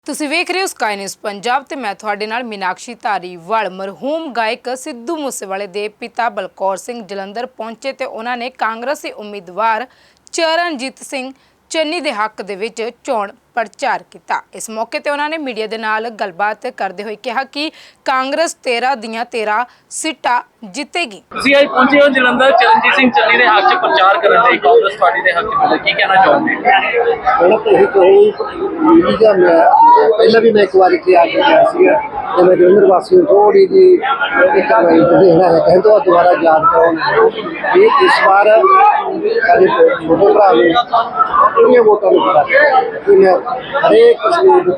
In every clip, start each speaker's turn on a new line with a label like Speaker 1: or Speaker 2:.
Speaker 1: ਤੁਸੀਂ ਵੇਖ ਰਹੇ ਹੋ ਸਕਾਈ ਨਿਊਜ਼ ਪੰਜਾਬ ਤੇ ਮੈਂ ਤੁਹਾਡੇ ਨਾਲ ਮੀਨਾਕਸ਼ੀ ਧਾਰੀਵਾਲ। ਮਰਹੂਮ ਗਾਇਕ ਸਿੱਧੂ ਮੂਸੇਵਾਲੇ ਦੇ ਪਿਤਾ ਬਲਕੌਰ ਸਿੰਘ ਜਲੰਧਰ ਪਹੁੰਚੇ ਤੇ ਉਹਨਾਂ ਨੇ ਕਾਂਗਰਸੀ ਉਮੀਦਵਾਰ ਚਰਨਜੀਤ ਸਿੰਘ ਚੰਨੀ ਦੇ ਹੱਕ ਦੇ ਵਿੱਚ ਚੋਣ ਪ੍ਰਚਾਰ ਕੀਤਾ। ਇਸ ਮੌਕੇ ਤੇ ਉਹਨਾਂ ਨੇ ਮੀਡੀਆ ਦੇ ਨਾਲ ਗੱਲਬਾਤ ਕਰਦੇ ਹੋਏ ਕਿਹਾ ਕਿ ਕਾਂਗਰਸ 13 ਦੀਆਂ 13 ਸੀਟਾਂ ਜਿੱਤੇਗੀ।
Speaker 2: ਤੁਸੀਂ ਅੱਜ ਪਹੁੰਚੇ ਹੋ ਜਲੰਧਰ ਚਰਨਜੀਤ ਸਿੰਘ ਚੰਨੀ ਦੇ ਹੱਕ 'ਚ ਪ੍ਰਚਾਰ ਕਰਨ ਲਈ ਕਾਂਗਰਸ ਪਾਰਟੀ ਦੇ ਹੱਕ 'ਚ ਕੀ ਕਹਿਣਾ ਚਾਹੁੰਦੇ
Speaker 3: ਪਹਿਲਾਂ ਵੀ मैं एक बार इतने आ गया तो मैं जलंधर वासियों थोड़ी जी एक देखना है कहें तो दोबारा याद करो ये इस बार सारे छोटे भरा ने वोटा हरेक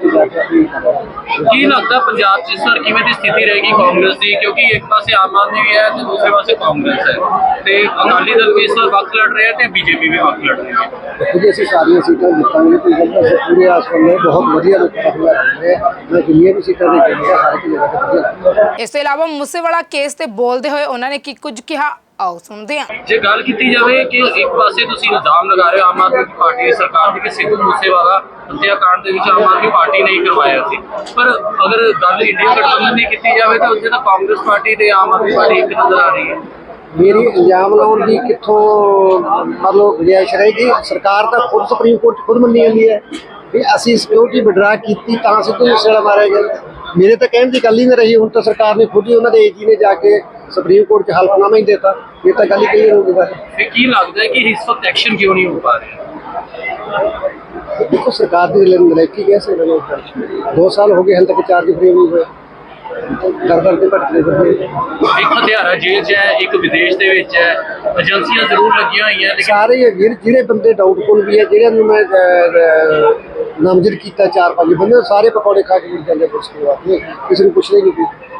Speaker 2: ਕੀ ਲੱਗਦਾ ਪੰਜਾਬ 'ਚ ਇਸ ਵਾਰ ਕਿਵੇਂ ਦੀ ਸਥਿਤੀ ਰਹੇਗੀ ਕਾਂਗਰਸ ਦੀ, ਕਿਉਂਕਿ ਇੱਕ ਪਾਸੇ ਆਮ ਆਦਮੀ ਵੀ ਹੈ ਤੇ ਦੂਸਰੇ ਪਾਸੇ ਕਾਂਗਰਸ ਹੈ ਤੇ ਅਕਾਲੀ ਦਲ ਵੀ ਇਸ ਵਾਰ ਵੱਖ ਲੜ ਰਿਹਾ ਤੇ ਬੀਜੇਪੀ ਵੀ ਵੱਖ ਲੜ ਰਹੀ ਹੈ।
Speaker 3: खुद ऐसी सारिया सीटा जितांगे तो जल्द से पूरे आसमान में बहुत बढ़िया मैं जिन्हें भी सीटा देखेंगे हर एक जगह पर।
Speaker 1: ਇਸ ਤੋਂ ਇਲਾਵਾ ਮੂਸੇਵਾਲਾ ਕੇਸ ਤੇ ਬੋਲਦੇ ਹੋਏ ਉਹਨਾਂ ਨੇ ਕੀ ਕੁਝ ਕਿਹਾ, ਆਓ ਸੁਣਦੇ ਹਾਂ।
Speaker 2: ਜੇ ਗੱਲ ਕੀਤੀ ਜਾਵੇ ਕਿ ਇੱਕ ਪਾਸੇ ਤੁਸੀਂ ਇਲਜ਼ਾਮ ਲਗਾ ਰਹੇ ਹੋ ਆਮ ਆਦਮੀ ਪਾਰਟੀ ਦੀ ਸਰਕਾਰ ਦੇ ਕਿ ਸਿੱਧੂ ਮੂਸੇਵਾਲਾ ਹੱਤਿਆਕਾਂਡ ਦੇ ਵਿੱਚ ਆਮ ਆਦਮੀ ਪਾਰਟੀ ਨੇ ਕਰਵਾਇਆ ਸੀ, ਪਰ ਅਗਰ ਗੱਲ ਇੰਡੀਆ ਗਠਬੰਧਨ ਦੀ ਕੀਤੀ ਜਾਵੇ ਤਾਂ ਉੱਥੇ ਤਾਂ ਕਾਂਗਰਸ ਪਾਰਟੀ ਤੇ ਆਮ ਆਦਮੀ ਪਾਰਟੀ ਇੱਕ ਨਜ਼ਰ ਆ ਰਹੀ ਹੈ।
Speaker 3: मेरी इल्जाम लाने की कितों मतलब गुजाइश रहेगी। सरकार तो खुद सुप्रीम कोर्ट खुद मनी हुई है भी असी सिक्योरिटी विड्रा की सिद्धू मूसेवाला मारे गए। मेरे तो कहने की गल ही नहीं रही। हूँ तो सरकार ने खुद ही उन्होंने एजी ने जाके सुप्रीम कोर्ट च हल्फनामा ही देता, ये तो गल ही क्लीयर होगी।
Speaker 2: फिर की लगता है कि इस वक्त एक्शन क्यों नहीं हो पा रहे?
Speaker 3: देखो सरकार की नलायकी कैसे 2 साल हो गए हाल तक चार्ज फ्री नहीं हुए।
Speaker 2: ਇੱਕ ਹਥਿਆਰਾ ਜੇਲ੍ਹ 'ਚ ਹੈ, ਇੱਕ ਵਿਦੇਸ਼ ਦੇ ਵਿੱਚ ਹੈ, ਏਜੰਸੀਆਂ ਜ਼ਰੂਰ ਲੱਗੀਆਂ ਹੋਈਆਂ ਲੇਕਿਨ
Speaker 3: ਸਾਰੇ ਜਿਹੜੇ ਬੰਦੇ ਡਾਊਟਫੁਲ ਵੀ ਹੈ ਜਿਹੜਿਆਂ ਨੂੰ ਮੈਂ ਨਾਮਜ਼ਦ ਕੀਤਾ 4-5 ਬੰਦੇ ਸਾਰੇ ਪਕੌੜੇ ਖਾ ਕੇ ਮਿਲ ਜਾਂਦੇ ਪੁਲਿਸ ਕੋਲ, ਕਿਸੇ ਨੂੰ ਪੁੱਛਦੇ ਨਹੀਂ ਕੋਈ।